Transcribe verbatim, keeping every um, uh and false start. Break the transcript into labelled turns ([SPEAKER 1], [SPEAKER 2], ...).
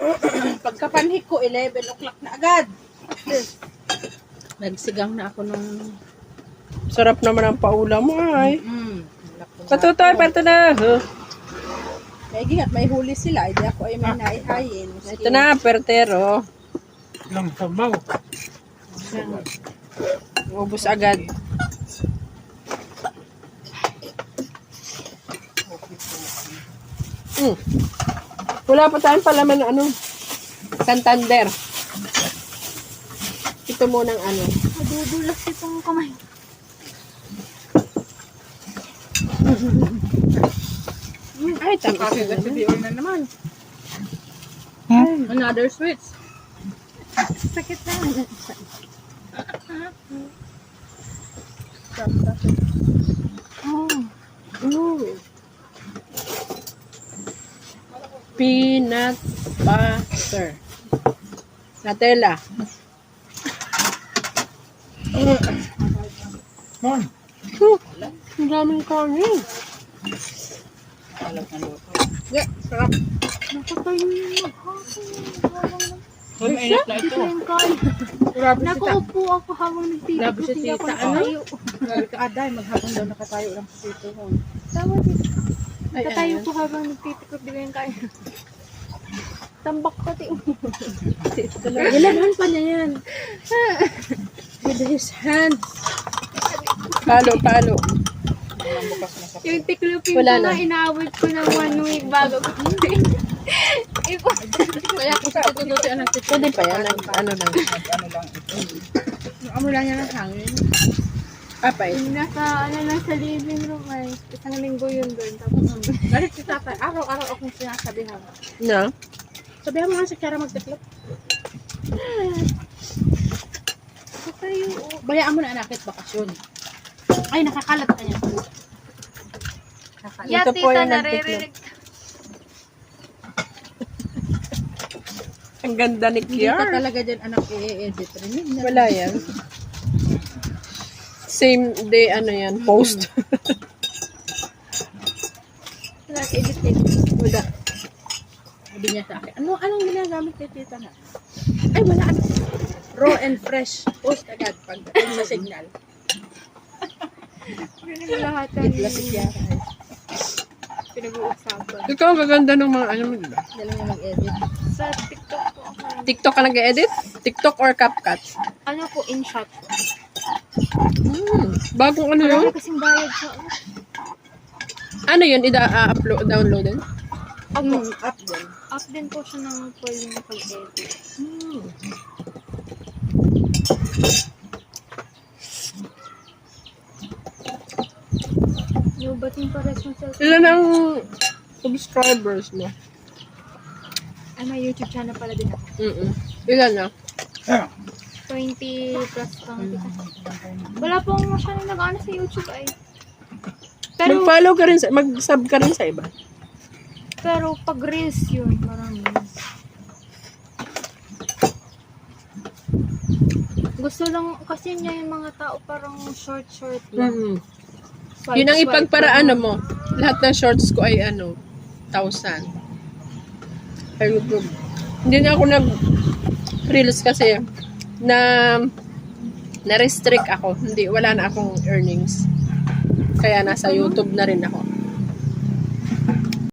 [SPEAKER 1] Pagkapanhik ko, eleven o'clock na agad. Nagsigang na ako nung...
[SPEAKER 2] Sarap naman ang paulam mo ay.
[SPEAKER 1] Mm.
[SPEAKER 2] Patutoy, parto na. Huh?
[SPEAKER 1] May gingat, may huli sila. Hindi ako ay may naihayin.
[SPEAKER 2] Ito na, pertero.
[SPEAKER 3] Lang sabaw.
[SPEAKER 2] Ubus agad. Mm. Wala pa tayong palaman ng ano. Santander. Ito munang ano.
[SPEAKER 4] Madudulas itong kamay.
[SPEAKER 2] Ay, tama.
[SPEAKER 1] Kasi kasi na naman.
[SPEAKER 3] Hmm?
[SPEAKER 1] Another switch.
[SPEAKER 4] Sakit na.
[SPEAKER 2] Oh. Ooh. Peanut butter. Nutella.
[SPEAKER 3] Man.
[SPEAKER 2] Oh, ang daming kanin.
[SPEAKER 1] Alam na luto.
[SPEAKER 2] Yeah, sarap.
[SPEAKER 4] Nakatayo yung maghapon.
[SPEAKER 1] Uy, mainit na ito.
[SPEAKER 4] Yung kain.
[SPEAKER 1] Grabe si Ta.
[SPEAKER 4] Nakaupo ako habang
[SPEAKER 1] Grabe si
[SPEAKER 4] nagtitipos. Hindi ako
[SPEAKER 1] Tita, ano?
[SPEAKER 4] nakatayo.
[SPEAKER 1] Grabe ka, Aday. Maghapon daw nakatayo lang sa dito.
[SPEAKER 4] Tama dito.
[SPEAKER 2] Ay,
[SPEAKER 4] Nakatayo
[SPEAKER 2] ayan.
[SPEAKER 4] ko habang nagtitipos. Di ba yung kain? Tambak pati.
[SPEAKER 2] Ilanhan pa niya yan. With his hands. Palo, palo.
[SPEAKER 4] Yung tiklupin
[SPEAKER 2] Wala
[SPEAKER 4] ko
[SPEAKER 2] na.
[SPEAKER 4] na, inaawit ko ng one week bago ko. Ipo.
[SPEAKER 1] Kaya kung sa tututi ang nagtitipid.
[SPEAKER 2] Pwede pa yan. Ang, ano lang.
[SPEAKER 1] Ano lang ito. Yung amo lang niya ng hangin.
[SPEAKER 2] Papay.
[SPEAKER 4] Nasa, ano lang sa living room ay isang linggo yun doon. Tapos,
[SPEAKER 1] Galit si tatay. Araw-araw akong sinasabihan.
[SPEAKER 2] No?
[SPEAKER 1] Sabihan mo nga si Kiara magtiklop.
[SPEAKER 4] katayo.
[SPEAKER 1] Bayaan mo na anakit bakasyon. Ay, nakakalat ka niya. Nakakalat.
[SPEAKER 4] Yeah,
[SPEAKER 2] Ito po
[SPEAKER 4] tita,
[SPEAKER 2] yung
[SPEAKER 4] naririnig.
[SPEAKER 2] Ang ganda ni
[SPEAKER 1] Hindi ka
[SPEAKER 2] Kiar.
[SPEAKER 1] talaga dyan anak i-edit rin.
[SPEAKER 2] Wala yan. Same day, ano yan, post.
[SPEAKER 4] Nag-edit edit.
[SPEAKER 2] Wala.
[SPEAKER 1] Sabi niya sa akin, ano, anong ginagamit kay tita na? Ay, wala. Ano. Raw and fresh. Post agad pag sa signal.
[SPEAKER 4] Hindi mo lahat
[SPEAKER 1] Bigla si
[SPEAKER 4] ang
[SPEAKER 1] Kiara.
[SPEAKER 4] pinag-uusapan.
[SPEAKER 2] Ikaw, ang gaganda ng mga ano mo, diba?
[SPEAKER 1] Dala niya mag-edit.
[SPEAKER 4] Sa TikTok po ako.
[SPEAKER 2] TikTok ka nag-edit? TikTok or CapCut?
[SPEAKER 4] Ano po, in shot.
[SPEAKER 2] Hmm. Bagong ano yun?
[SPEAKER 4] Marami kasing bayad sa ano.
[SPEAKER 2] Ano yun? Ida-upload, download din?
[SPEAKER 4] Opo.
[SPEAKER 1] Mm, up din.
[SPEAKER 4] Up din po siya ng pwede yung pag-edit.
[SPEAKER 2] Hmm.
[SPEAKER 4] Yung bating pares mo sa...
[SPEAKER 2] Ilan ang subscribers mo?
[SPEAKER 4] Ay, may YouTube channel pala din ako.
[SPEAKER 2] Mm Ilan na?
[SPEAKER 4] twenty plus lang kita. Wala pong masyadong nag-ano sa YouTube ay. Pero,
[SPEAKER 2] Mag-follow ka rin, sa, mag-sub ka rin sa iba.
[SPEAKER 4] pero pag reels yun, marami. Gusto lang, kasi niya yung mga tao parang short-short lang.
[SPEAKER 2] Mm
[SPEAKER 4] Swipe,
[SPEAKER 2] Yun ang
[SPEAKER 4] swipe
[SPEAKER 2] ipagparaan
[SPEAKER 4] lang.
[SPEAKER 2] mo. Lahat ng shorts ko ay ano, thousand. Sa YouTube. Hindi na ako nag-reels kasi na na-restrict ako. Hindi, wala na akong earnings. Kaya nasa YouTube na rin ako.